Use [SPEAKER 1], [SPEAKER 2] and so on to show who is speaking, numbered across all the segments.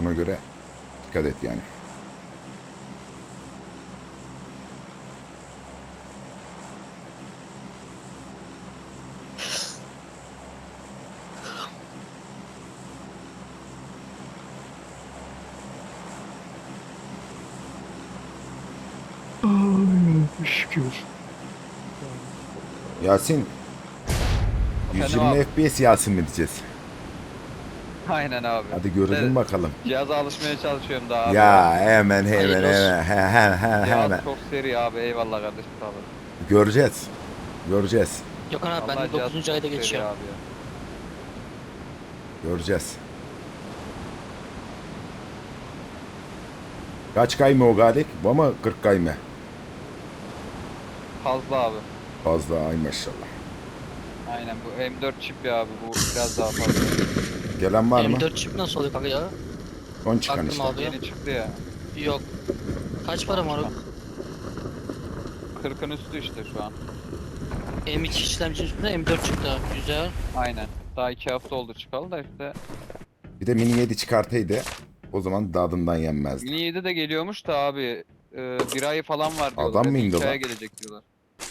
[SPEAKER 1] Ona göre dikkat et yani.
[SPEAKER 2] Ay, şükür.
[SPEAKER 1] Yasin,
[SPEAKER 3] Efendim
[SPEAKER 1] 120
[SPEAKER 3] abi.
[SPEAKER 1] FPS Yasin mi diyeceğiz?
[SPEAKER 3] Aynen abi.
[SPEAKER 1] Hadi görelim
[SPEAKER 3] De,
[SPEAKER 1] bakalım.
[SPEAKER 3] cihaza alışmaya çalışıyorum daha abi ya.
[SPEAKER 1] Ya hemen
[SPEAKER 2] Hayırlı olsun.
[SPEAKER 3] Cihaz
[SPEAKER 1] hemen.
[SPEAKER 3] çok seri abi. Eyvallah kardeşim sağ olun.
[SPEAKER 1] Göreceğiz. Göreceğiz.
[SPEAKER 2] Gökhan abi ben
[SPEAKER 3] Vallahi
[SPEAKER 2] de
[SPEAKER 3] cihaz
[SPEAKER 2] 9.
[SPEAKER 3] çok
[SPEAKER 2] ayda
[SPEAKER 3] seri
[SPEAKER 2] geçiyorum.
[SPEAKER 3] abi ya.
[SPEAKER 1] Göreceğiz. Kaç kayma o Galip? Bu mu 40 kayma?
[SPEAKER 3] Fazla abi.
[SPEAKER 1] Fazla ay maşallah.
[SPEAKER 3] Aynen bu M4 çip ya abi. Bu biraz daha fazla.
[SPEAKER 1] Gelen var mı?
[SPEAKER 2] M4 çip nasıl oluyor kanka ya?
[SPEAKER 1] Son çıkan
[SPEAKER 2] Baktım
[SPEAKER 1] işte.
[SPEAKER 2] abi.
[SPEAKER 3] Yeni çıktı ya.
[SPEAKER 2] Yok. Kaç para var?
[SPEAKER 3] 40'ın üstü işte şu an.
[SPEAKER 2] M2 işlemci üstünde M4 çıktı. Güzel.
[SPEAKER 3] Aynen. Daha 2 hafta oldu çıkalı da işte.
[SPEAKER 1] Bir de mini 7 çıkartaydı. O zaman dadından yenmezdi.
[SPEAKER 3] Mini 7 de geliyormuş da abi. Bir ay falan var diyorlar.
[SPEAKER 1] Adam mı
[SPEAKER 3] Ya da
[SPEAKER 1] indi
[SPEAKER 3] 2 aya
[SPEAKER 1] lan?
[SPEAKER 3] gelecek diyorlar.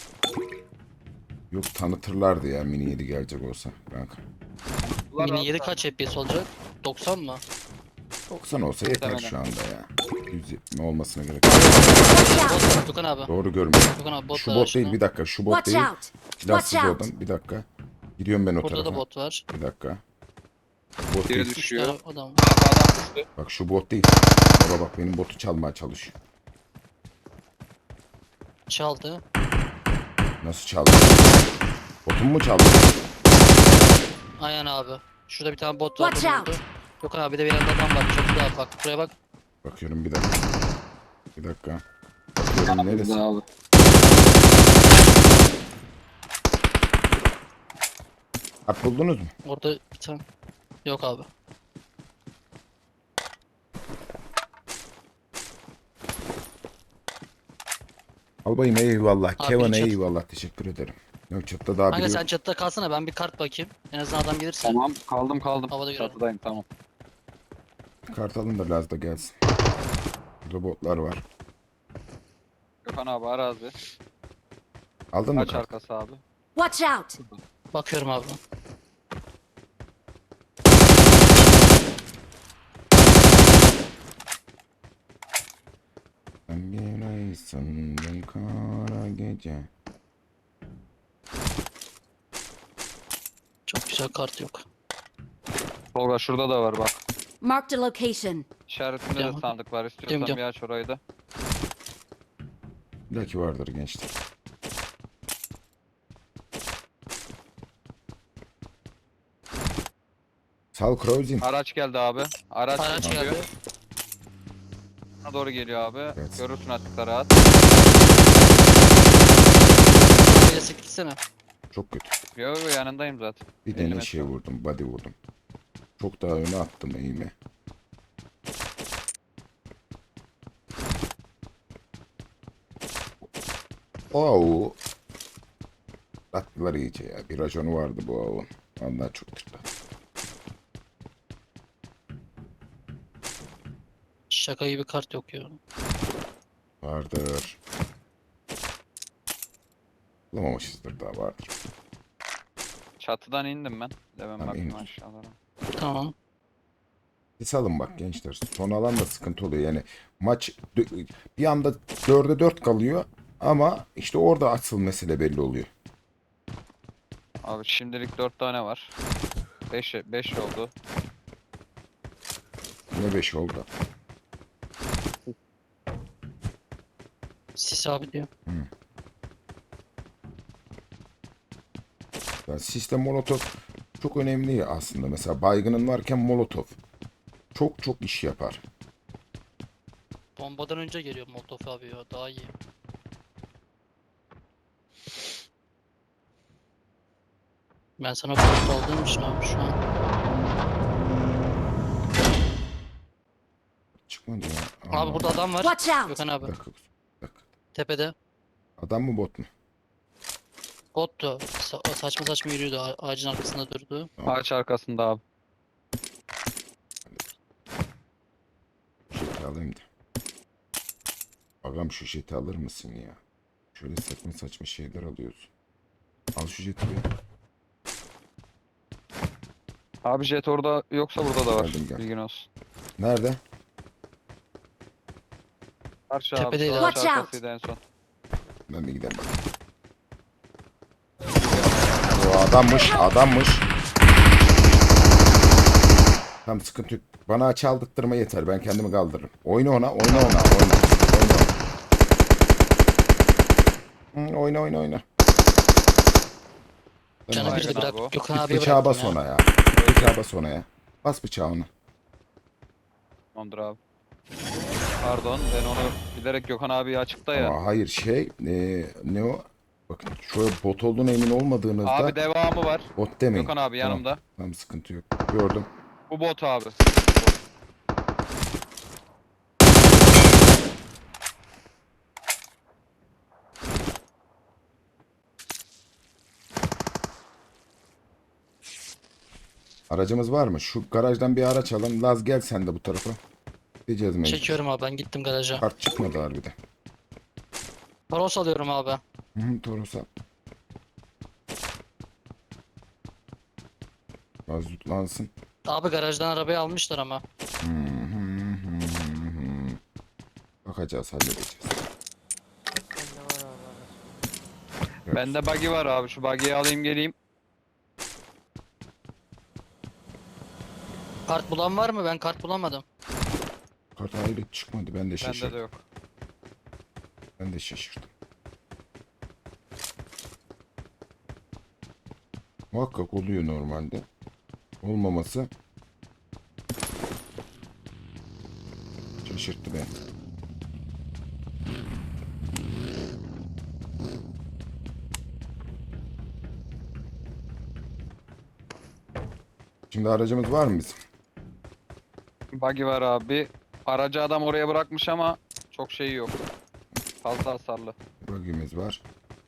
[SPEAKER 1] Yok tanıtırlardı ya mini 7 gelecek olsa kanka.
[SPEAKER 3] Bunlar
[SPEAKER 2] Mini
[SPEAKER 3] abi
[SPEAKER 2] 7
[SPEAKER 3] zaten.
[SPEAKER 2] kaç FPS olacak? 90 mı?
[SPEAKER 1] 90 olsa yeter
[SPEAKER 3] Muhtemelen.
[SPEAKER 1] şu anda ya. 120 olmasına gerek yok.
[SPEAKER 2] Bot var Gökhan abi.
[SPEAKER 1] Doğru görmüyorum.
[SPEAKER 2] Gökhan abi bot
[SPEAKER 1] Şu
[SPEAKER 2] var
[SPEAKER 1] bot değil
[SPEAKER 2] aşağıda.
[SPEAKER 1] bir dakika. Şu bot
[SPEAKER 4] Watch
[SPEAKER 1] değil.
[SPEAKER 4] out!
[SPEAKER 1] Silahsız
[SPEAKER 4] Watch out!
[SPEAKER 1] oradan. Bir dakika. Gidiyorum ben o
[SPEAKER 2] Burada da
[SPEAKER 1] tarafa.
[SPEAKER 2] bot var.
[SPEAKER 1] Bir dakika. Bot
[SPEAKER 3] Biri
[SPEAKER 1] değil.
[SPEAKER 2] 3
[SPEAKER 3] düşüyor.
[SPEAKER 2] tane adam.
[SPEAKER 3] Abi adam düştü.
[SPEAKER 1] Bak şu bot değil. Baba bak benim botu çalmaya çalışıyor.
[SPEAKER 2] Çaldı.
[SPEAKER 1] Nasıl çaldı? Botumu mu çaldı?
[SPEAKER 2] Aynen abi. Şurada bir tane bot var.
[SPEAKER 4] Watch
[SPEAKER 2] bunu
[SPEAKER 4] out!
[SPEAKER 2] vurdu. Gökhan abi bir de bir yerde adam var. Çok daha bak. Buraya bak.
[SPEAKER 1] Bakıyorum bir dakika. Bir dakika. Bakıyorum neresi?
[SPEAKER 3] Abi.
[SPEAKER 1] At buldunuz mu?
[SPEAKER 2] Orada bir tane. Yok abi.
[SPEAKER 1] Albayım eyvallah.
[SPEAKER 2] Abi
[SPEAKER 1] Kevin
[SPEAKER 2] bir çat-
[SPEAKER 1] eyvallah. Teşekkür ederim. Yok çatıda daha
[SPEAKER 2] Kanka
[SPEAKER 1] biri
[SPEAKER 2] sen
[SPEAKER 1] yok.
[SPEAKER 2] çatıda kalsana ben bir kart bakayım. En azından adam gelirse.
[SPEAKER 3] Tamam kaldım.
[SPEAKER 2] Havada görelim.
[SPEAKER 3] Çatıdayım tamam.
[SPEAKER 1] Kartalın da Laz da gelsin. Burada botlar var.
[SPEAKER 3] Gökhan abi arazi.
[SPEAKER 1] Aldın mı
[SPEAKER 3] Kaç
[SPEAKER 1] kart?
[SPEAKER 3] arkası abi?
[SPEAKER 4] Watch out!
[SPEAKER 2] Bakıyorum abi.
[SPEAKER 1] Sen bir aysın ben kara gece.
[SPEAKER 2] Çok güzel kart yok.
[SPEAKER 3] Tolga şurada da var bak.
[SPEAKER 4] Marked a location.
[SPEAKER 3] İşaretinde de
[SPEAKER 2] Tamam.
[SPEAKER 3] sandık var. İstiyorsan
[SPEAKER 2] Gidiyorum.
[SPEAKER 3] bir aç orayı da.
[SPEAKER 1] Belki vardır gençler. Sal Cruising.
[SPEAKER 3] Araç geldi abi. Araç
[SPEAKER 2] Araç
[SPEAKER 3] geliyor.
[SPEAKER 2] geldi.
[SPEAKER 3] Sana doğru geliyor abi.
[SPEAKER 1] Evet.
[SPEAKER 3] Görürsün açıkta rahat.
[SPEAKER 2] Böyle gitsene.
[SPEAKER 1] Çok kötü.
[SPEAKER 3] Yo yanındayım zaten.
[SPEAKER 1] Bir
[SPEAKER 3] 50
[SPEAKER 1] tane
[SPEAKER 3] metre.
[SPEAKER 1] şey vurdum. Body vurdum. Çok daha öne attım eğimi. Oo. Attılar iyice ya. Bir raconu vardı bu avun. Ondan çok tırtı.
[SPEAKER 2] Şaka gibi kart yok ya.
[SPEAKER 1] Vardır. Bulamamışızdır daha vardır.
[SPEAKER 3] Çatıdan indim ben. De ben
[SPEAKER 1] Tamam,
[SPEAKER 3] bakayım
[SPEAKER 1] in.
[SPEAKER 3] aşağılara.
[SPEAKER 2] Tamam.
[SPEAKER 1] Siz alın bak gençler. Son alan da sıkıntı oluyor. Yani maç bir anda 4'e 4 kalıyor. Ama işte orada asıl mesele belli oluyor.
[SPEAKER 3] Abi şimdilik 4 tane var. 5 oldu.
[SPEAKER 1] Ne 5 oldu.
[SPEAKER 2] Sis abi diyor.
[SPEAKER 1] Yani sistem molotof çok önemli aslında. Mesela baygının varken molotof çok çok iş yapar.
[SPEAKER 2] Bombadan önce geliyor Molotov abi ya. Daha iyi. Ben sana kart aldığım için abi şu an.
[SPEAKER 1] Çıkmadı ya.
[SPEAKER 2] Abi burada adam var.
[SPEAKER 4] Watch out!
[SPEAKER 2] Gökhan
[SPEAKER 1] Bir
[SPEAKER 2] abi.
[SPEAKER 1] dakika, bir dakika.
[SPEAKER 2] Tepede.
[SPEAKER 1] Adam mı bot mu?
[SPEAKER 2] Bottu. Saçma saçma yürüyordu. Ağacın arkasında durdu.
[SPEAKER 3] Ağaç arkasında abi.
[SPEAKER 1] alayım da. Ağam şu jeti alır mısın ya? Şöyle saçma saçma şeyler alıyorsun. Al şu jeti be.
[SPEAKER 3] Abi jet orada yoksa burada da var.
[SPEAKER 1] Geldim, gel.
[SPEAKER 3] Bilgin olsun.
[SPEAKER 1] Nerede?
[SPEAKER 3] Karşı abi.
[SPEAKER 2] Tepedeydi.
[SPEAKER 3] Sağ
[SPEAKER 4] Watch out.
[SPEAKER 3] arkasıydı en son.
[SPEAKER 1] Ben bir gidelim bakayım. O adammış. Tam sıkıntı yok. Bana çaldırtma yeter. Ben kendimi kaldırırım. Oyna ona. Oyna.
[SPEAKER 2] Canı
[SPEAKER 3] Aynen
[SPEAKER 2] bir de
[SPEAKER 3] abi
[SPEAKER 2] bırak.
[SPEAKER 3] o.
[SPEAKER 2] Gökhan
[SPEAKER 1] Git
[SPEAKER 2] abiye
[SPEAKER 1] bıçağı
[SPEAKER 2] bıraktım
[SPEAKER 1] bas
[SPEAKER 2] ya.
[SPEAKER 1] ona ya. Bıçağı bas ona ya. Bas bıçağını.
[SPEAKER 3] Tamamdır abi. Pardon ben onu bilerek Gökhan abi açıkta ya.
[SPEAKER 1] Ama hayır ne o? Bakın şöyle bot olduğuna emin olmadığınızda
[SPEAKER 3] Abi devamı var.
[SPEAKER 1] bot demeyin.
[SPEAKER 3] Gökhan abi yanımda.
[SPEAKER 1] Tamam, tamam sıkıntı yok. Gördüm.
[SPEAKER 3] Bu bot abi.
[SPEAKER 1] Aracımız var mı? Şu garajdan bir araç alın. Laz gel sen de bu tarafa. Gideceğiz mecbur.
[SPEAKER 2] Çekiyorum abi, ben gittim garaja.
[SPEAKER 1] Kart çıkmadı harbiden.
[SPEAKER 2] Paros alıyorum abi.
[SPEAKER 1] Hı, Toros al. Az tutlansın.
[SPEAKER 2] Abi garajdan arabayı almışlar ama.
[SPEAKER 1] Bakacağız, halledeceğiz.
[SPEAKER 3] Bende buggy var abi. Şu buggy'yi alayım geleyim.
[SPEAKER 2] Kart bulan var mı? Ben kart bulamadım.
[SPEAKER 1] Kart hayret çıkmadı. Ben de
[SPEAKER 3] Bende de
[SPEAKER 1] şaşırdım.
[SPEAKER 3] yok.
[SPEAKER 1] Ben de şaşırdım. Muhakkak oluyor normalde. Olmaması şaşırttı beni. Şimdi aracımız var mı bizim?
[SPEAKER 3] Buggy var abi. Aracı adam oraya bırakmış ama çok şeyi yok. Fazla hasarlı.
[SPEAKER 1] Bölgemiz var.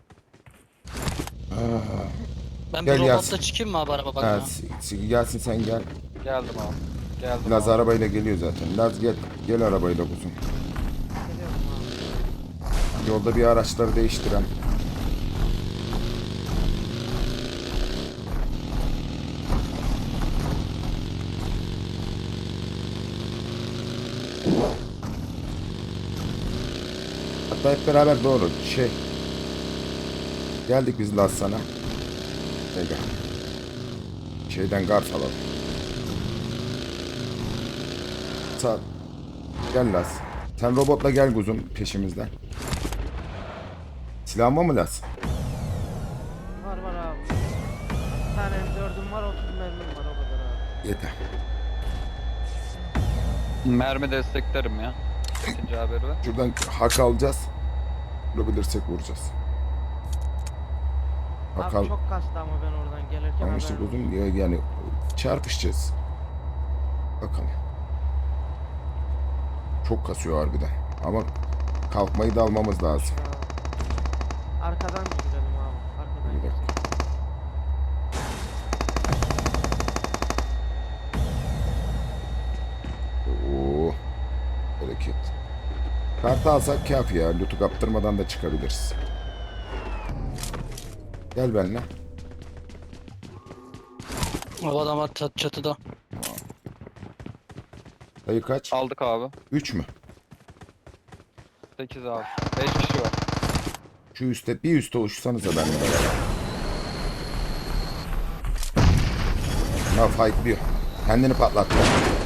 [SPEAKER 2] Ben
[SPEAKER 1] Gel
[SPEAKER 2] bir
[SPEAKER 1] Yasin.
[SPEAKER 2] robotla çıkayım mı abi araba
[SPEAKER 1] Ha,
[SPEAKER 2] bakmaya?
[SPEAKER 1] Gelsin sen gel.
[SPEAKER 3] Geldim abi. Geldim
[SPEAKER 1] Laz
[SPEAKER 3] abi.
[SPEAKER 1] arabayla geliyor zaten. Laz gel. Gel arabayla kuzum. Yolda bir araçları değiştiren. Hatta hep beraber doğru. Geldik biz Laz sana. Gel. Şeyden gard alalım. Sağ. Gel Laz. Sen robotla gel kuzum peşimizden. Silahın var mı Laz?
[SPEAKER 5] Var abi. Bir tane M4'üm var, 30 mermim var, o kadar abi.
[SPEAKER 1] Yeter.
[SPEAKER 3] Mermi desteklerim ya. İkinci haberi ver.
[SPEAKER 1] Şuradan hak alacağız. Vurabilirsek vuracağız. Hak al.
[SPEAKER 5] Abi çok kastı ama ben oradan gelirken
[SPEAKER 1] Ama işte
[SPEAKER 5] haberim olsun.
[SPEAKER 1] kuzum yani çarpışacağız. Bakalım. Çok kasıyor harbiden. Ama kalkmayı da almamız lazım.
[SPEAKER 5] Arkadan gidelim abi. Arkadan
[SPEAKER 1] Bir dakika.
[SPEAKER 5] gidelim.
[SPEAKER 1] Oo. Bereket. Kartı alsak kafi ya. Loot'u kaptırmadan da çıkabiliriz. Gel benimle.
[SPEAKER 2] O adam var çatıda.
[SPEAKER 1] Sayı kaç?
[SPEAKER 3] Aldık abi.
[SPEAKER 1] 3 mü?
[SPEAKER 3] 8 abi. 5 kişi var.
[SPEAKER 1] Şu üstte bir üstte uçsanıza benimle beraber. Bunlar fightlıyor. Kendini patlattı.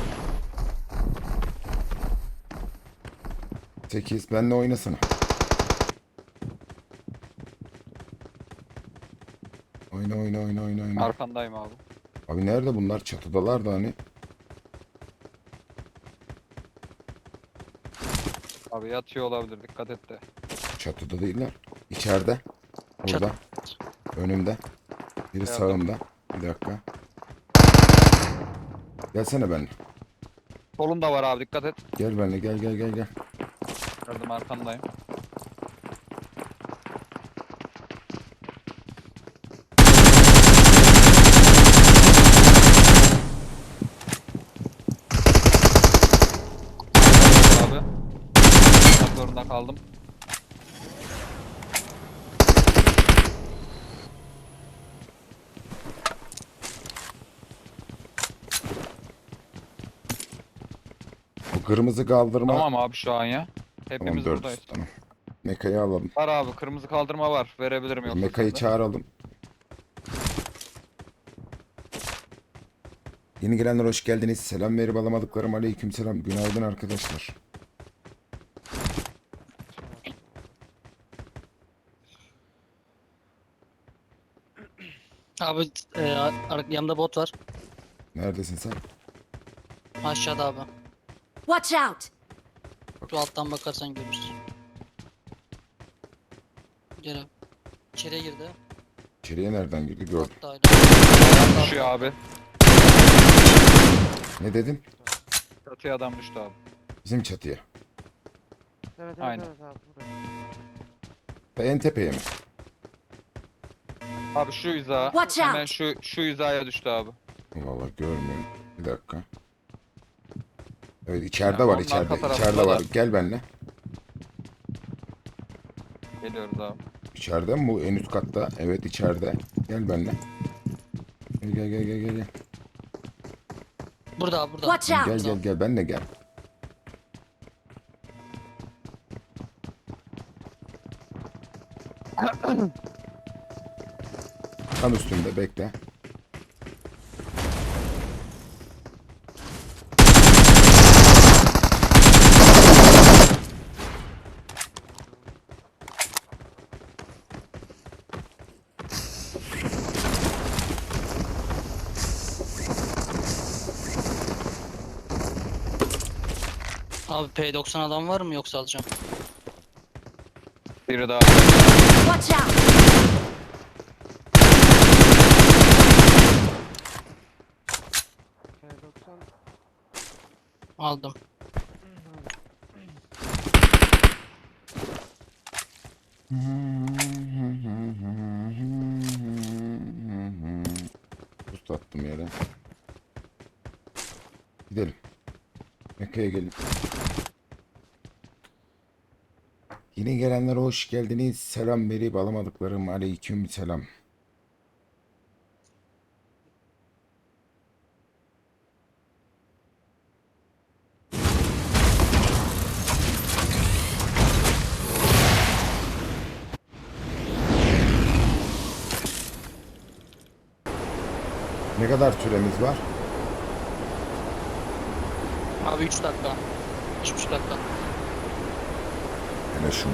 [SPEAKER 1] 8 benimle oynasana. Oyna.
[SPEAKER 3] Arkandayım abi.
[SPEAKER 1] Abi nerede bunlar? Çatıdalar da hani.
[SPEAKER 3] Abi yatıyor olabilir. Dikkat et de.
[SPEAKER 1] Çatıda değiller. İçeride. Burada. Önümde. Biri
[SPEAKER 3] Geldim.
[SPEAKER 1] sağımda. Bir dakika. Gelsene benimle.
[SPEAKER 3] Solunda var abi. Dikkat et.
[SPEAKER 1] Gel benimle gel.
[SPEAKER 3] Gördüm arkandayım. Abi. zorunda kaldım.
[SPEAKER 1] Bu kırmızı kaldırma.
[SPEAKER 3] Tamam abi şu an ya.
[SPEAKER 1] Tamam,
[SPEAKER 3] Hepimiz
[SPEAKER 1] 400.
[SPEAKER 3] buradayız.
[SPEAKER 1] Tamam. Mekayı alalım.
[SPEAKER 3] Var abi kırmızı kaldırma var. Verebilirim yoksa
[SPEAKER 1] Mekayı
[SPEAKER 3] sende.
[SPEAKER 1] çağıralım. Yeni gelenler hoş geldiniz. Selam verip alamadıklarım aleyküm selam. Günaydın arkadaşlar.
[SPEAKER 2] Abi yanımda bot var.
[SPEAKER 1] Neredesin sen?
[SPEAKER 2] Aşağıda abi.
[SPEAKER 4] Watch out!
[SPEAKER 2] Şu alttan bakarsan görürsün. Gel abi. İçeriye girdi.
[SPEAKER 1] İçeriye nereden girdi gördüm.
[SPEAKER 2] Bot da öyle.
[SPEAKER 3] Düşüyor abi.
[SPEAKER 1] Ne dedin?
[SPEAKER 3] Çatıya adam düştü abi.
[SPEAKER 1] Bizim çatıya.
[SPEAKER 5] Evet
[SPEAKER 3] Aynen.
[SPEAKER 5] evet abi buraya.
[SPEAKER 1] En tepeye mi?
[SPEAKER 3] Abi şu hiza.
[SPEAKER 4] Watch
[SPEAKER 3] Hemen
[SPEAKER 4] out.
[SPEAKER 3] şu hizaya düştü abi.
[SPEAKER 1] Vallahi görmüyorum. Bir dakika. Evet içeride
[SPEAKER 3] Ya,
[SPEAKER 1] var
[SPEAKER 3] onun
[SPEAKER 1] içeride.
[SPEAKER 3] arka
[SPEAKER 1] İçeride
[SPEAKER 3] tarafında
[SPEAKER 1] var.
[SPEAKER 3] da.
[SPEAKER 1] Gel benimle.
[SPEAKER 3] Geliyoruz abi.
[SPEAKER 1] İçeride mi bu en üst katta? Evet içeride. Gel benimle. Gel.
[SPEAKER 2] Burada abi burada.
[SPEAKER 4] Watch out!
[SPEAKER 1] Gel benimle gel. Tam üstünde bekle.
[SPEAKER 2] Abi P90 adam var mı yoksa alacağım.
[SPEAKER 3] Biri daha.
[SPEAKER 4] Watch out!
[SPEAKER 5] K90
[SPEAKER 2] Aldım.
[SPEAKER 1] Buz attım yere. Gidelim. Mekke'ye gelin. Yine gelenlere hoş geldiniz. Selam verip alamadıklarım aleyküm selam. Ne kadar süremiz var?
[SPEAKER 2] Abi 3 dakika. 3,5 dakika.
[SPEAKER 1] Hele şunu.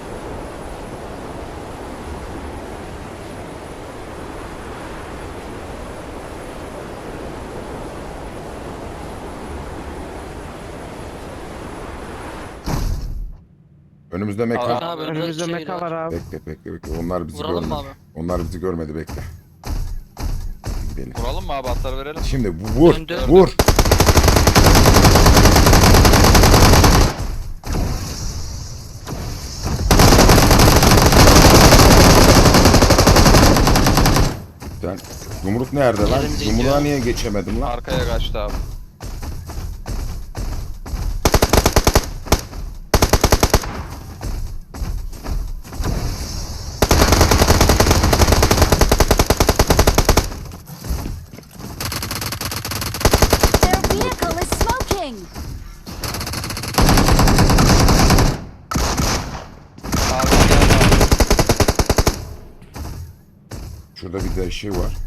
[SPEAKER 1] Önümüzde meka.
[SPEAKER 2] Abi
[SPEAKER 5] önümüzde
[SPEAKER 2] şey
[SPEAKER 5] meka var abi.
[SPEAKER 1] Bekle. Onlar bizi
[SPEAKER 2] Vuralım mı
[SPEAKER 1] görmedi.
[SPEAKER 2] abi?
[SPEAKER 1] Onlar bizi görmedi bekle. Gidelim.
[SPEAKER 3] Vuralım mı abi? Atları verelim.
[SPEAKER 1] Şimdi vur.
[SPEAKER 2] Döndü.
[SPEAKER 1] Vur. Sen yumruk nerede lan?
[SPEAKER 2] Yerimize
[SPEAKER 1] Yumruğa
[SPEAKER 2] gidiyor.
[SPEAKER 1] niye geçemedim lan?
[SPEAKER 3] Arkaya kaçtı abi.
[SPEAKER 4] Their vehicle is smoking!
[SPEAKER 3] Abi geldi abi.
[SPEAKER 1] Şurada bir de şey var.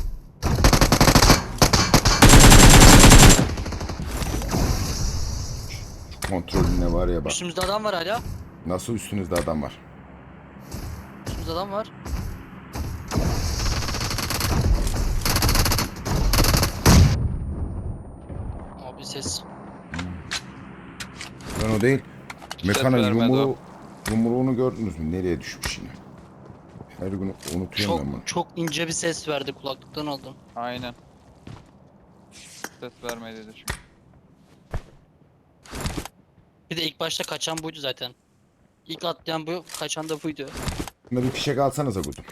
[SPEAKER 1] Şu kontrolüne var ya bak.
[SPEAKER 2] Üstümüzde adam var hala.
[SPEAKER 1] Nasıl üstünüzde adam var?
[SPEAKER 2] Üstümüzde adam var. Abi ses.
[SPEAKER 1] Ben o değil. Mekanın
[SPEAKER 3] vermedi
[SPEAKER 1] yumruğunu gördünüz mü? Nereye düşmüş yine? Her gün unutuyorum ben bunu.
[SPEAKER 2] Çok ince bir ses verdi, kulaklıktan aldım.
[SPEAKER 3] Aynen. Ses vermedi dedi çünkü.
[SPEAKER 2] Bir de ilk başta kaçan buydu zaten. İlk atlayan bu, kaçan da buydu.
[SPEAKER 1] Bunda bir fişek alsanıza kuzum.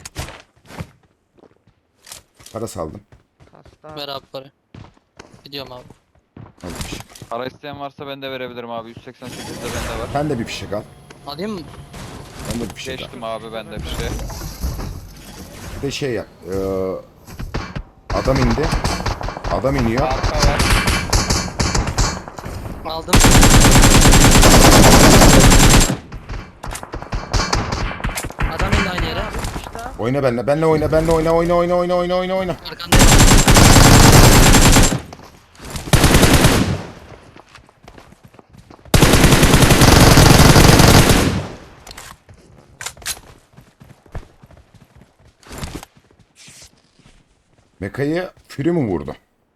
[SPEAKER 1] Para saldım.
[SPEAKER 5] Kasta.
[SPEAKER 2] Ver abi parayı. Gidiyorum abi.
[SPEAKER 1] Al bir fişek.
[SPEAKER 3] Para isteyen varsa ben de verebilirim abi. 188'de bende var.
[SPEAKER 1] Ben de bir fişek al.
[SPEAKER 2] Alayım mı?
[SPEAKER 1] Ben de bir şey daha.
[SPEAKER 3] Geçtim abi ben de bir şey.
[SPEAKER 1] Bir de şey yap. Adam indi. Adam iniyor.
[SPEAKER 3] Arka var.
[SPEAKER 2] Aldım. Adam indi aynı yere.
[SPEAKER 5] İşte.
[SPEAKER 1] Oyna benle. Benle oyna. Benle oyna. Oyna.
[SPEAKER 2] Arkandayım.
[SPEAKER 1] Mekayı Fury mi vurdu?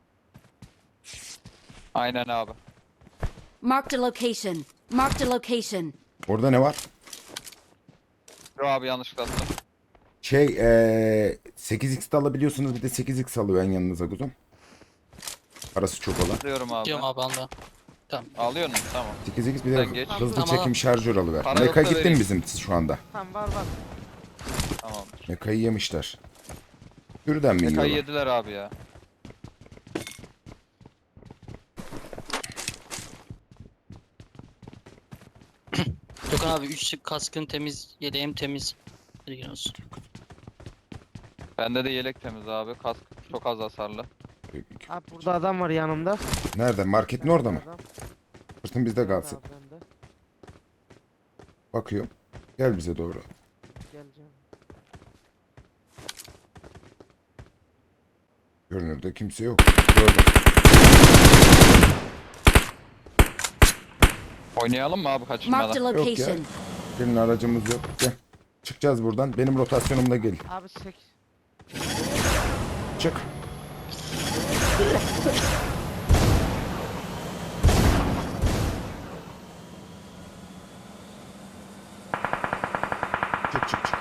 [SPEAKER 3] Aynen abi.
[SPEAKER 4] Marked a location. Marked a location.
[SPEAKER 1] Orada ne var?
[SPEAKER 3] Yo abi yanlışlıkla attım.
[SPEAKER 1] 8x de alabiliyorsunuz. Bir de 8x alıyor en yanınıza kuzum. Parası çok olan.
[SPEAKER 3] Alıyorum abi.
[SPEAKER 2] Diyorum abi anda. Tamam.
[SPEAKER 3] Alıyor musun? Tamam.
[SPEAKER 1] 8x bir de
[SPEAKER 3] Sen geç.
[SPEAKER 1] hızlı
[SPEAKER 2] Tamam.
[SPEAKER 1] çekim şarjör alıver.
[SPEAKER 3] Para
[SPEAKER 1] Meka
[SPEAKER 3] yoksa
[SPEAKER 1] gitti mi
[SPEAKER 3] vereyim.
[SPEAKER 1] bizim şu anda?
[SPEAKER 5] Tamam var.
[SPEAKER 3] Tamamdır.
[SPEAKER 1] Mekayı yemişler. Sürüden mi
[SPEAKER 3] Mekayı
[SPEAKER 1] yiyorlar?
[SPEAKER 3] yediler abi ya.
[SPEAKER 2] Gökhan abi 3 kaskın temiz, yeleğim temiz. Bilgin olsun.
[SPEAKER 3] Bende de yelek temiz abi. Kask çok az hasarlı.
[SPEAKER 5] Abi burada adam var yanımda.
[SPEAKER 1] Nerede? Marketin orada mı?
[SPEAKER 5] Adam.
[SPEAKER 1] Fırtın bizde
[SPEAKER 5] Evet
[SPEAKER 1] kalsın.
[SPEAKER 5] abi, bende.
[SPEAKER 1] Bakıyorum. Gel bize doğru.
[SPEAKER 5] Geleceğim.
[SPEAKER 1] Görünürde kimse yok. Gördüm.
[SPEAKER 3] Oynayalım mı abi
[SPEAKER 4] Marked a
[SPEAKER 3] kaçırmadan?
[SPEAKER 1] Yok ya.
[SPEAKER 4] location.
[SPEAKER 1] Senin aracımız yok. Gel. Çıkacağız buradan. Benim rotasyonumla gel.
[SPEAKER 5] Abi 8.
[SPEAKER 1] Çık. Çık.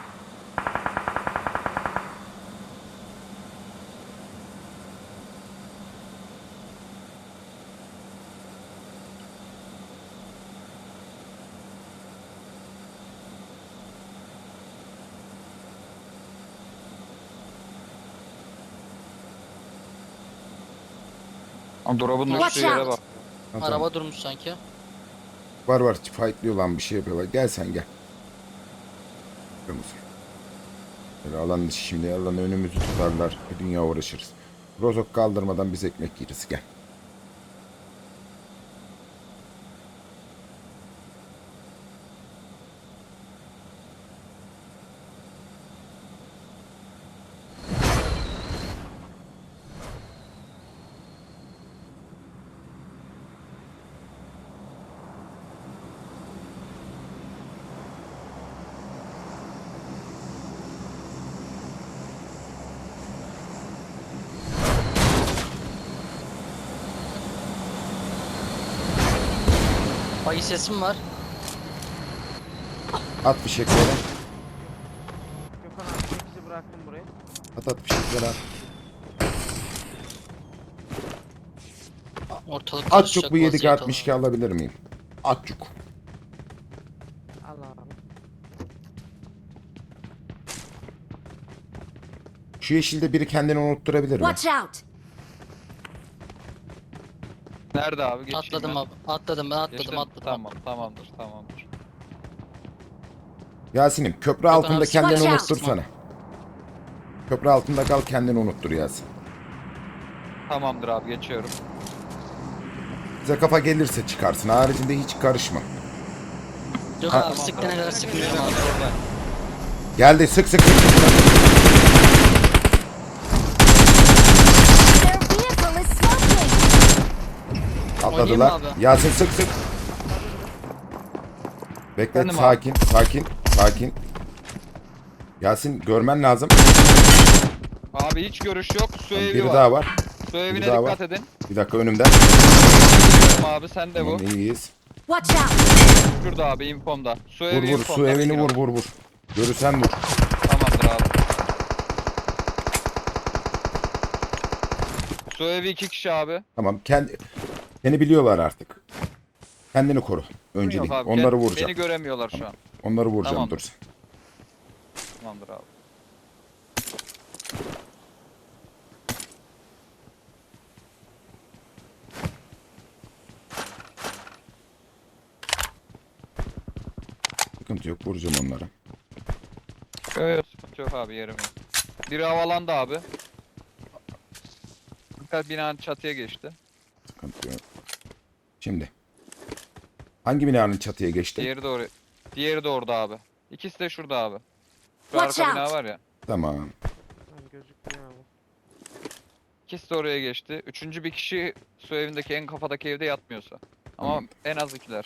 [SPEAKER 3] Drop'un
[SPEAKER 4] Watch
[SPEAKER 3] düştüğü yere
[SPEAKER 4] out.
[SPEAKER 3] bak.
[SPEAKER 1] Ha, tamam.
[SPEAKER 2] Araba durmuş sanki.
[SPEAKER 1] Var. Fightlıyor lan bir şey yapıyorlar. Gel sen gel. Kırmızı. Böyle alan dışı şimdi alan önümüzü tutarlar. Bir dünya uğraşırız. Rozok kaldırmadan biz ekmek yeriz. Gel.
[SPEAKER 2] Ay sesim var.
[SPEAKER 1] At fişekleri.
[SPEAKER 5] Gökhan abi 8'i bıraktım buraya.
[SPEAKER 1] At fişekleri at.
[SPEAKER 2] Ortalık
[SPEAKER 1] Atçuk
[SPEAKER 2] karışacak
[SPEAKER 1] bu 7
[SPEAKER 2] vaziyet
[SPEAKER 1] 62
[SPEAKER 2] alalım.
[SPEAKER 1] alabilir miyim? Atçuk.
[SPEAKER 5] Al abi.
[SPEAKER 1] Şu yeşilde biri kendini unutturabilir mi?
[SPEAKER 4] Watch out.
[SPEAKER 3] Nerede abi? Geçeyim
[SPEAKER 2] Atladım
[SPEAKER 3] ben.
[SPEAKER 2] abi. Atladım ben atladım
[SPEAKER 3] Geçtim.
[SPEAKER 2] atladım.
[SPEAKER 3] Tamam tamamdır.
[SPEAKER 1] Yasin'im köprü altında
[SPEAKER 2] abi,
[SPEAKER 1] kendini
[SPEAKER 4] watch out.
[SPEAKER 1] unuttursana. Köprü altında kal kendini unuttur Yasin.
[SPEAKER 3] Tamamdır abi geçiyorum.
[SPEAKER 1] Bize kafa gelirse çıkarsın. Haricinde hiç karışma.
[SPEAKER 2] Gökhan
[SPEAKER 1] Ha.
[SPEAKER 2] abi sıktığına kadar sıkmıyorum
[SPEAKER 3] Geliyorum
[SPEAKER 2] abi.
[SPEAKER 3] abi orada.
[SPEAKER 1] Geldi sık.
[SPEAKER 4] Their vehicle is smoking.
[SPEAKER 1] Atladılar.
[SPEAKER 2] Oynayayım mı abi?
[SPEAKER 1] Yasin sık. Bekle
[SPEAKER 3] Efendim abi?
[SPEAKER 1] sakin. Yasin görmen lazım.
[SPEAKER 3] Abi hiç görüş yok. Su evi
[SPEAKER 1] Biri
[SPEAKER 3] var.
[SPEAKER 1] daha var.
[SPEAKER 3] Su evine
[SPEAKER 1] biri daha
[SPEAKER 3] dikkat
[SPEAKER 1] var.
[SPEAKER 3] edin.
[SPEAKER 1] Bir dakika önümden.
[SPEAKER 3] Biliyorum abi sen de bu.
[SPEAKER 1] Tamam, iyiyiz.
[SPEAKER 4] Watch out.
[SPEAKER 3] Şurada abi infomda. Su evi
[SPEAKER 1] Vur
[SPEAKER 3] infomda.
[SPEAKER 1] su evini
[SPEAKER 3] bilgin olsun.
[SPEAKER 1] vur. Görürsen vur.
[SPEAKER 3] Tamamdır abi. Su evi 2 kişi abi.
[SPEAKER 1] Tamam seni biliyorlar artık. Kendini koru. Öncelik.
[SPEAKER 3] Yok abi,
[SPEAKER 1] Onları
[SPEAKER 3] beni
[SPEAKER 1] vuracağım.
[SPEAKER 3] göremiyorlar şu an.
[SPEAKER 1] Onları vuracağım
[SPEAKER 3] Tamam.
[SPEAKER 1] dur.
[SPEAKER 3] Tamamdır abi.
[SPEAKER 1] Sıkıntı yok. Vuracağım onlara.
[SPEAKER 3] Yok yok, sıkıntı yok abi, yerim yok. Biri havalandı abi. Fakat binanın çatıya geçti.
[SPEAKER 1] Sıkıntı yok. Şimdi. Hangi binanın çatıya geçti?
[SPEAKER 3] Diğeri de orada abi. İkisi de şurada abi. Şu
[SPEAKER 4] Watch
[SPEAKER 3] arka bina
[SPEAKER 4] out.
[SPEAKER 3] var ya.
[SPEAKER 1] Tamam.
[SPEAKER 5] Lan gözükmüyor abi.
[SPEAKER 3] İkisi de oraya geçti. Üçüncü bir kişi su evindeki en kafadaki evde yatmıyorsa. Ama
[SPEAKER 1] Hı.
[SPEAKER 3] en az ikiler.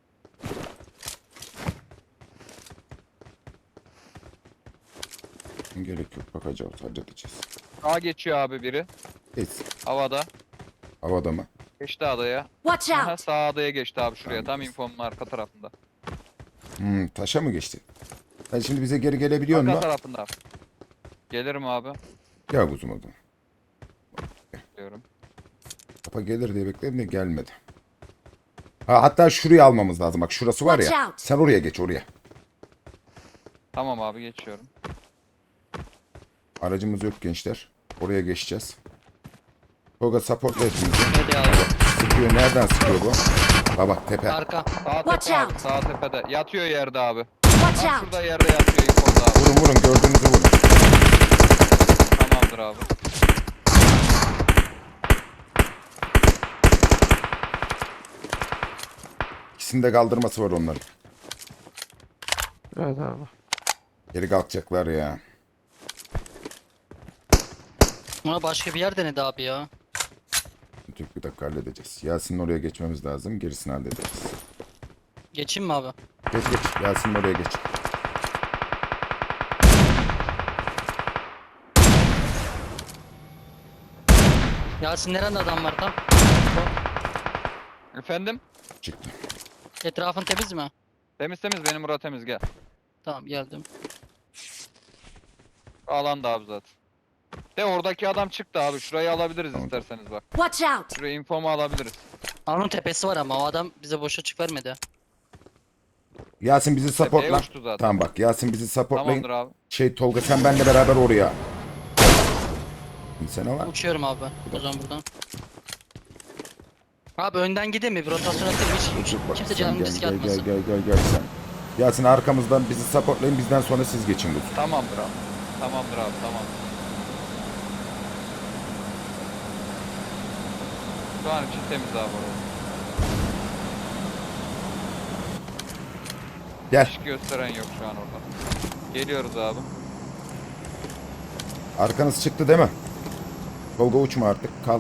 [SPEAKER 1] Gerek yok. Bakacağız. Halledeceğiz.
[SPEAKER 3] Sağa geçiyor abi biri.
[SPEAKER 1] Geç.
[SPEAKER 3] Havada.
[SPEAKER 1] Havada mı?
[SPEAKER 3] Geçti adaya.
[SPEAKER 4] Watch
[SPEAKER 3] Aha,
[SPEAKER 4] out!
[SPEAKER 3] sağ adaya geçti abi şuraya.
[SPEAKER 1] Tamam.
[SPEAKER 3] Tam infomun arka tarafında.
[SPEAKER 1] Taşa mı geçti? Sen şimdi bize geri gelebiliyor
[SPEAKER 3] Arka
[SPEAKER 1] musun?
[SPEAKER 3] tarafında. Gelirim abi.
[SPEAKER 1] Gel kuzum o zaman.
[SPEAKER 3] Diyorum.
[SPEAKER 1] Kapa gelir diye bekledim de gelmedi. Ha, hatta şurayı almamız lazım. Bak şurası var
[SPEAKER 4] Watch
[SPEAKER 1] ya.
[SPEAKER 4] out.
[SPEAKER 1] Sen oraya geç oraya.
[SPEAKER 3] Tamam abi, geçiyorum.
[SPEAKER 1] Aracımız yok gençler. Oraya geçeceğiz. Tolga supportla hepimizi.
[SPEAKER 2] Hadi abi.
[SPEAKER 1] Sıkıyor. Nereden sıkıyor bu? Ha bak tepe.
[SPEAKER 2] Arka.
[SPEAKER 3] Sağ
[SPEAKER 4] Watch
[SPEAKER 3] tepe abi.
[SPEAKER 4] out.
[SPEAKER 3] Sağ tepede. Yatıyor yerde abi.
[SPEAKER 4] Watch
[SPEAKER 3] Tam
[SPEAKER 4] out!
[SPEAKER 3] şurada yerde yatıyor infoda abi.
[SPEAKER 1] Vurun vurun gördüğünüzü vurun.
[SPEAKER 3] Tamamdır abi.
[SPEAKER 1] İkisinde kaldırması var onların.
[SPEAKER 5] Evet abi.
[SPEAKER 1] Geri kalkacaklar ya.
[SPEAKER 2] Buna başka bir yer denedi abi ya.
[SPEAKER 1] Türk bir dakika halledeceğiz. Yasin'in oraya geçmemiz lazım. Gerisini hallederiz.
[SPEAKER 2] Geçeyim mi abi?
[SPEAKER 1] Geç geç. Yasin'in oraya geç.
[SPEAKER 2] Yasin nerede adam var tam?
[SPEAKER 3] Efendim?
[SPEAKER 1] Çıktı.
[SPEAKER 2] Etrafın temiz mi?
[SPEAKER 3] Temiz temiz, benim bura temiz, gel.
[SPEAKER 2] Tamam geldim.
[SPEAKER 3] Alanda abi zaten. De oradaki adam çıktı abi. Şurayı alabiliriz
[SPEAKER 1] Tamam.
[SPEAKER 3] isterseniz bak.
[SPEAKER 4] Watch out!
[SPEAKER 3] Şuraya infomu alabiliriz.
[SPEAKER 2] Onun tepesi var ama o adam bize boş açık vermedi.
[SPEAKER 1] Yasin bizi
[SPEAKER 3] Tepeye
[SPEAKER 1] supportla.
[SPEAKER 3] uçtu zaten.
[SPEAKER 1] Tamam bak Yasin bizi supportlayın.
[SPEAKER 3] Tamamdır abi.
[SPEAKER 1] Tolga sen benimle beraber oraya. İnsana var.
[SPEAKER 2] Uçuyorum abi. O zaman buradan. Abi önden gideyim mi? Bir rotasyon atayım. Hiç
[SPEAKER 1] Dur bak,
[SPEAKER 2] kimse
[SPEAKER 1] sen
[SPEAKER 2] canını
[SPEAKER 1] gel,
[SPEAKER 2] riske
[SPEAKER 1] gel,
[SPEAKER 2] atmasın.
[SPEAKER 1] gel sen. Yasin arkamızdan bizi supportlayın, bizden sonra siz geçin lütfen.
[SPEAKER 3] Tamamdır abi. Tamamdır abi, tamam. Şu an için temiz abi orası.
[SPEAKER 1] Gel.
[SPEAKER 3] Hiç gösteren yok şu an orada. Geliyoruz abi.
[SPEAKER 1] Arkanız çıktı değil mi? Tolga uçma artık, kal.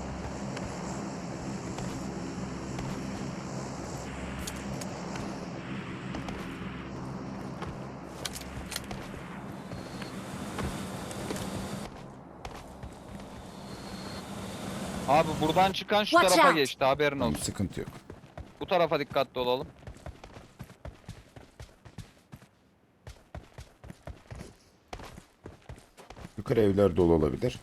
[SPEAKER 3] Abi buradan çıkan şu
[SPEAKER 4] Watch
[SPEAKER 3] tarafa
[SPEAKER 4] out.
[SPEAKER 3] geçti, haberin
[SPEAKER 1] Tamam,
[SPEAKER 3] olsun.
[SPEAKER 1] sıkıntı yok.
[SPEAKER 3] Bu tarafa dikkatli olalım.
[SPEAKER 1] Yukarı evler dolu olabilir.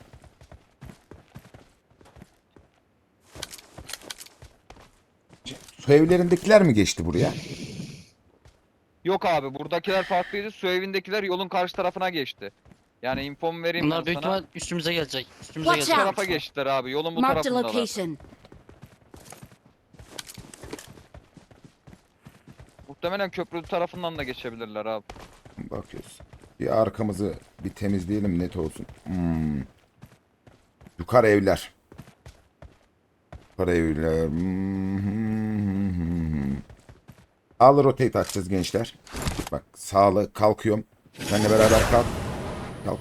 [SPEAKER 1] Su evlerindekiler mi geçti buraya?
[SPEAKER 3] Yok abi, buradakiler farklıydı. Su evindekiler yolun karşı tarafına geçti. Yani infomu vereyim
[SPEAKER 2] Bunlar
[SPEAKER 3] ben
[SPEAKER 2] büyük
[SPEAKER 3] sana.
[SPEAKER 2] ihtimal üstümüze gelecek. Üstümüze
[SPEAKER 4] Watch
[SPEAKER 3] Bu
[SPEAKER 2] gelecek.
[SPEAKER 4] out.
[SPEAKER 3] tarafa geçtiler abi. Yolun bu
[SPEAKER 4] Marked a
[SPEAKER 3] tarafındalar.
[SPEAKER 4] location.
[SPEAKER 3] Muhtemelen köprü tarafından da geçebilirler abi.
[SPEAKER 1] Bakıyoruz. Bir arkamızı bir temizleyelim net olsun. Yukarı evler. Yukarı evler. Sağlı rotate açacağız gençler. Bak sağlı kalkıyorum. Seninle beraber kalk. Kalk.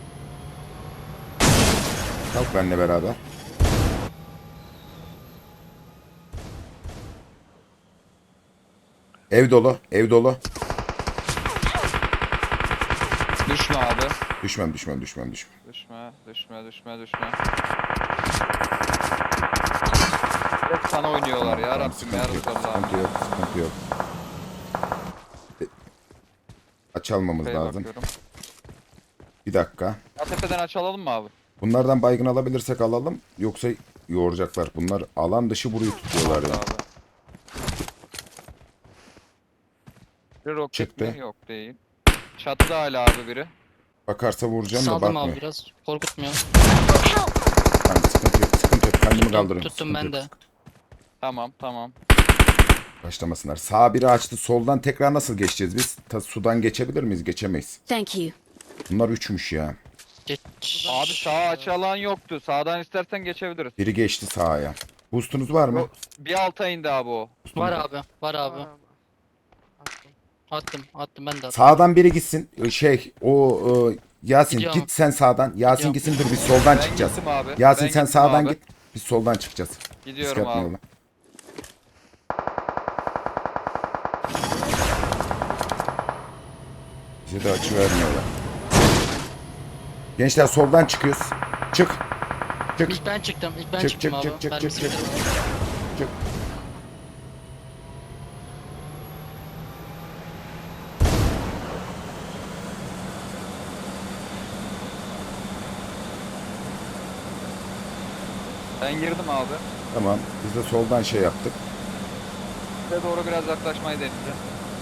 [SPEAKER 1] Kalk benimle beraber. Ev dolu. Ev dolu.
[SPEAKER 3] Düşme abi.
[SPEAKER 1] Düşmem.
[SPEAKER 3] Düşme. Hep sana oynuyorlar ya Rabbim ya Resulallah.
[SPEAKER 1] Sıkıntı yok. Aç almamız
[SPEAKER 3] Tepeye
[SPEAKER 1] lazım.
[SPEAKER 3] bakıyorum.
[SPEAKER 1] Bir dakika.
[SPEAKER 3] Ya tepeden açalım mı abi?
[SPEAKER 1] Bunlardan baygın alabilirsek alalım. Yoksa yoğuracaklar. Bunlar alan dışı burayı tutuyorlar ya.
[SPEAKER 3] Abi. Bir roket
[SPEAKER 1] Çıktı.
[SPEAKER 3] mi? Yok değil. Çatıda hala abi biri.
[SPEAKER 1] Bakarsa vuracağım da
[SPEAKER 2] Saldım abi
[SPEAKER 1] bakmıyor.
[SPEAKER 2] biraz. Korkutmuyor.
[SPEAKER 1] Tamam, sıkıntı yok. Kendimi
[SPEAKER 2] Tuttum,
[SPEAKER 1] kaldırıyorum.
[SPEAKER 2] tuttum
[SPEAKER 1] Sıkıntı
[SPEAKER 2] ben
[SPEAKER 1] yok,
[SPEAKER 2] de.
[SPEAKER 1] sıkıntı yok.
[SPEAKER 3] Tamam.
[SPEAKER 1] Başlamasınlar. Sağ biri açtı. Soldan tekrar nasıl geçeceğiz biz? Sudan geçebilir miyiz? Geçemeyiz.
[SPEAKER 4] Thank you.
[SPEAKER 1] Bunlar üçmüş ya.
[SPEAKER 2] Geç.
[SPEAKER 3] Abi sağa açı alan yoktu. Sağdan istersen geçebiliriz.
[SPEAKER 1] Biri geçti sağa. Boostunuz var mı?
[SPEAKER 3] Bir alta indi abi o.
[SPEAKER 2] Var abi. Var
[SPEAKER 5] Var
[SPEAKER 2] abi.
[SPEAKER 5] abi. Attım.
[SPEAKER 2] Attım ben de attım.
[SPEAKER 1] Sağdan biri gitsin. Yasin
[SPEAKER 2] Gidiyorum.
[SPEAKER 1] git sen sağdan. Yasin
[SPEAKER 2] Gidiyorum.
[SPEAKER 1] gitsin, dur biz soldan
[SPEAKER 3] Ben
[SPEAKER 1] çıkacağız.
[SPEAKER 3] gittim abi.
[SPEAKER 1] Yasin
[SPEAKER 3] Ben
[SPEAKER 1] sen
[SPEAKER 3] gittim
[SPEAKER 1] sağdan
[SPEAKER 3] abi.
[SPEAKER 1] git. Biz soldan çıkacağız.
[SPEAKER 3] Gidiyorum
[SPEAKER 1] Risk
[SPEAKER 3] abi.
[SPEAKER 1] atmayalım. Bize de açı vermiyorlar. Gençler soldan çıkıyoruz. Çık. Çık.
[SPEAKER 2] İlk ben çıktım. İlk ben
[SPEAKER 1] Çık,
[SPEAKER 2] çıktım
[SPEAKER 1] çık,
[SPEAKER 2] abi.
[SPEAKER 1] çık, çık,
[SPEAKER 2] Mermisi
[SPEAKER 1] çık, çık.
[SPEAKER 2] bitti.
[SPEAKER 1] Çık.
[SPEAKER 3] Ben girdim abi.
[SPEAKER 1] Tamam. Biz de soldan şey yaptık.
[SPEAKER 3] Size doğru biraz yaklaşmayı deneyeceğim.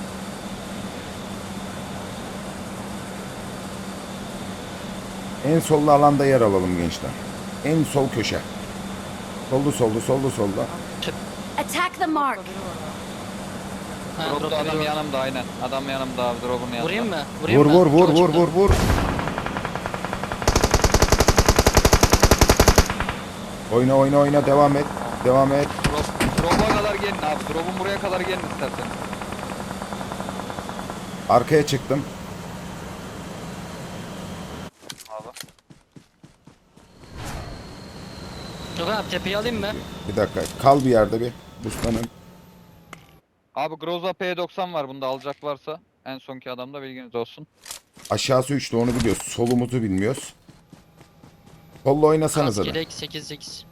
[SPEAKER 1] En sollu alanda yer alalım gençler. En sol köşe. Soldu soldu soldu soldu.
[SPEAKER 4] Attack the mark.
[SPEAKER 5] Burada biri var abi.
[SPEAKER 2] Ha,
[SPEAKER 3] Drop'ta
[SPEAKER 2] drop
[SPEAKER 3] adam
[SPEAKER 2] veriyor.
[SPEAKER 3] yanımda aynen. Adam yanımda abi drop'un yanında.
[SPEAKER 2] Vurayım mı? Vurayım
[SPEAKER 1] Vur
[SPEAKER 2] mı?
[SPEAKER 1] vur vur
[SPEAKER 2] Çok
[SPEAKER 1] vur
[SPEAKER 2] açıkta.
[SPEAKER 1] vur vur. Oyna oyna oyna, devam et. Devam et.
[SPEAKER 3] Drop'a kadar gelin abi. Drop'un buraya kadar gelin istersen.
[SPEAKER 1] Arkaya çıktım.
[SPEAKER 3] Abi.
[SPEAKER 2] Yok abi tepeyi alayım mı?
[SPEAKER 1] Bir dakika. Kal bir yerde bir. Buslanın.
[SPEAKER 3] Abi Groza P90 var bunda alacak varsa. En sonki adamda bilginiz olsun.
[SPEAKER 1] Aşağısı 3'tü, onu biliyoruz. Solumuzu bilmiyoruz. Solla oynasanız da.
[SPEAKER 2] Askelek 8-8.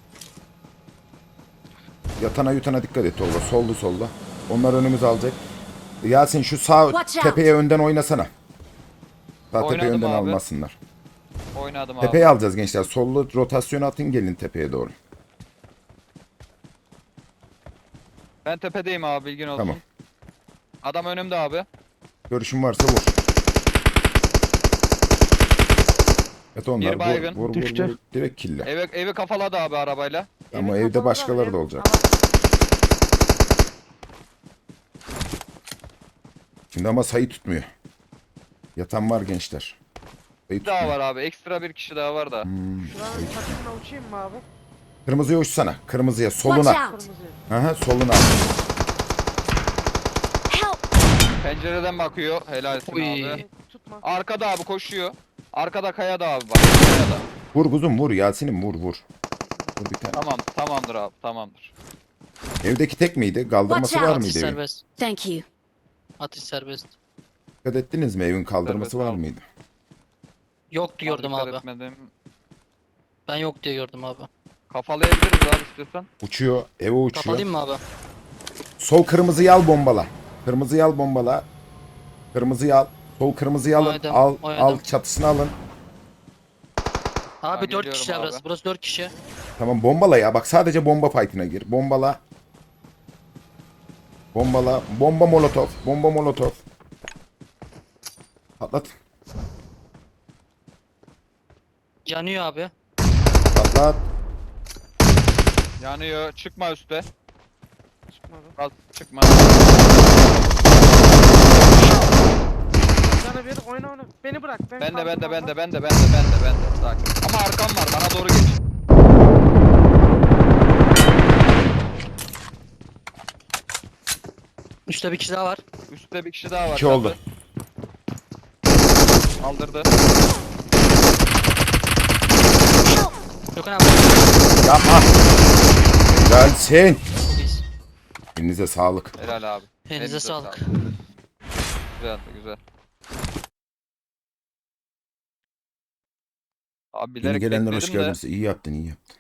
[SPEAKER 1] Yatana yutana dikkat et Tolga. Soldu solda. Onlar önümüz alacak. Yasin şu sağ
[SPEAKER 4] Watch out.
[SPEAKER 1] tepeye önden oynasana. Sağ tepeye
[SPEAKER 3] Oynadım
[SPEAKER 1] önden
[SPEAKER 3] abi.
[SPEAKER 1] almasınlar.
[SPEAKER 3] Oynadım abi.
[SPEAKER 1] Tepeye alacağız gençler. Sollu rotasyon atın, gelin tepeye doğru.
[SPEAKER 3] Ben tepedeyim abi bilgin olsun.
[SPEAKER 1] Tamam.
[SPEAKER 3] Adam önümde abi.
[SPEAKER 1] Görüşün varsa vur. Evet onlar
[SPEAKER 3] Bir baygın.
[SPEAKER 1] vur,
[SPEAKER 5] Düştü.
[SPEAKER 1] vur. Direkt kille.
[SPEAKER 3] Evi kafaladı abi arabayla.
[SPEAKER 1] Ama
[SPEAKER 5] Evin
[SPEAKER 1] evde
[SPEAKER 5] kapalı
[SPEAKER 1] başkaları
[SPEAKER 5] abi,
[SPEAKER 1] da
[SPEAKER 5] ev-
[SPEAKER 1] olacak.
[SPEAKER 5] Ama
[SPEAKER 1] Şimdi ama sayı tutmuyor. Yatan var gençler. Sayı
[SPEAKER 3] Bir daha
[SPEAKER 1] tutmuyor.
[SPEAKER 3] var abi. Ekstra bir kişi daha var da.
[SPEAKER 5] Şuranın çatısına uçayım mı abi?
[SPEAKER 1] Kırmızıya uçsana. Kırmızıya.
[SPEAKER 4] Watch
[SPEAKER 1] Soluna.
[SPEAKER 4] out.
[SPEAKER 5] Kırmızı.
[SPEAKER 1] Aha, soluna.
[SPEAKER 4] Help.
[SPEAKER 3] Pencereden bakıyor. Helalsin
[SPEAKER 2] Uy.
[SPEAKER 3] abi.
[SPEAKER 5] Tutma.
[SPEAKER 3] Arkada abi koşuyor. Arkada kayada abi bak. Kayada.
[SPEAKER 1] Vur kuzum vur. Yasin'im vur vur. Vur bir tane.
[SPEAKER 3] Tamam tamamdır abi tamamdır.
[SPEAKER 1] Evdeki tek miydi? Kaldırması
[SPEAKER 4] Watch
[SPEAKER 1] var
[SPEAKER 4] out.
[SPEAKER 1] mıydı
[SPEAKER 2] Atış
[SPEAKER 1] evin?
[SPEAKER 2] serbest.
[SPEAKER 4] Thank you.
[SPEAKER 2] Atış serbest.
[SPEAKER 1] Dikkat ettiniz mi? Evin kaldırması
[SPEAKER 3] Serbest
[SPEAKER 1] var
[SPEAKER 3] abi.
[SPEAKER 1] mıydı?
[SPEAKER 2] Yoktu gördüm
[SPEAKER 3] Dikkat
[SPEAKER 2] abi.
[SPEAKER 3] etmedim.
[SPEAKER 2] Ben yok diye gördüm abi.
[SPEAKER 3] Kafalayabiliriz abi istiyorsan.
[SPEAKER 1] Uçuyor. Eve uçuyor.
[SPEAKER 2] Kapalayayım mı abi?
[SPEAKER 1] Sol kırmızıyı al, bombala. Kırmızıyı al, bombala. Kırmızıyı al. Sol kırmızıyı alın.
[SPEAKER 2] Oynadım,
[SPEAKER 1] Al
[SPEAKER 2] oynadım.
[SPEAKER 1] al, çatısını alın.
[SPEAKER 2] Abi 4
[SPEAKER 3] geliyorum
[SPEAKER 2] kişi
[SPEAKER 3] abi.
[SPEAKER 2] burası. Burası 4 kişi.
[SPEAKER 1] Tamam, bombala ya. Bak sadece bomba fight'ine gir. Bombala. Bombala. Bomba molotov. Bomba molotov. Patlat.
[SPEAKER 2] Yanıyor abi.
[SPEAKER 1] Patlat.
[SPEAKER 3] Yanıyor. Çıkma üste.
[SPEAKER 5] Çıkmadı.
[SPEAKER 3] Az çıkma.
[SPEAKER 5] Canı bir oyna oyna. Beni bırak.
[SPEAKER 3] Ben de
[SPEAKER 5] kaldım
[SPEAKER 3] ben de
[SPEAKER 5] abi.
[SPEAKER 3] ben de ben de ben de ben de ben de. Sakin. Ama arkam var bana doğru geç.
[SPEAKER 2] Üstte bir kişi daha var.
[SPEAKER 3] Üstte bir kişi daha var.
[SPEAKER 1] İki oldu.
[SPEAKER 3] Kaldırdı.
[SPEAKER 2] Gökhan abi.
[SPEAKER 1] Yapma. Gelsin.
[SPEAKER 2] Çok iyiyiz.
[SPEAKER 1] Elinize sağlık.
[SPEAKER 3] Helal abi.
[SPEAKER 2] Elinize sağlık.
[SPEAKER 3] Güzeldi güzel. Abi
[SPEAKER 1] Yeni
[SPEAKER 3] bilerek
[SPEAKER 1] gelenler hoş
[SPEAKER 3] bekledim de
[SPEAKER 1] geldiniz. İyi yaptın, iyi yaptın.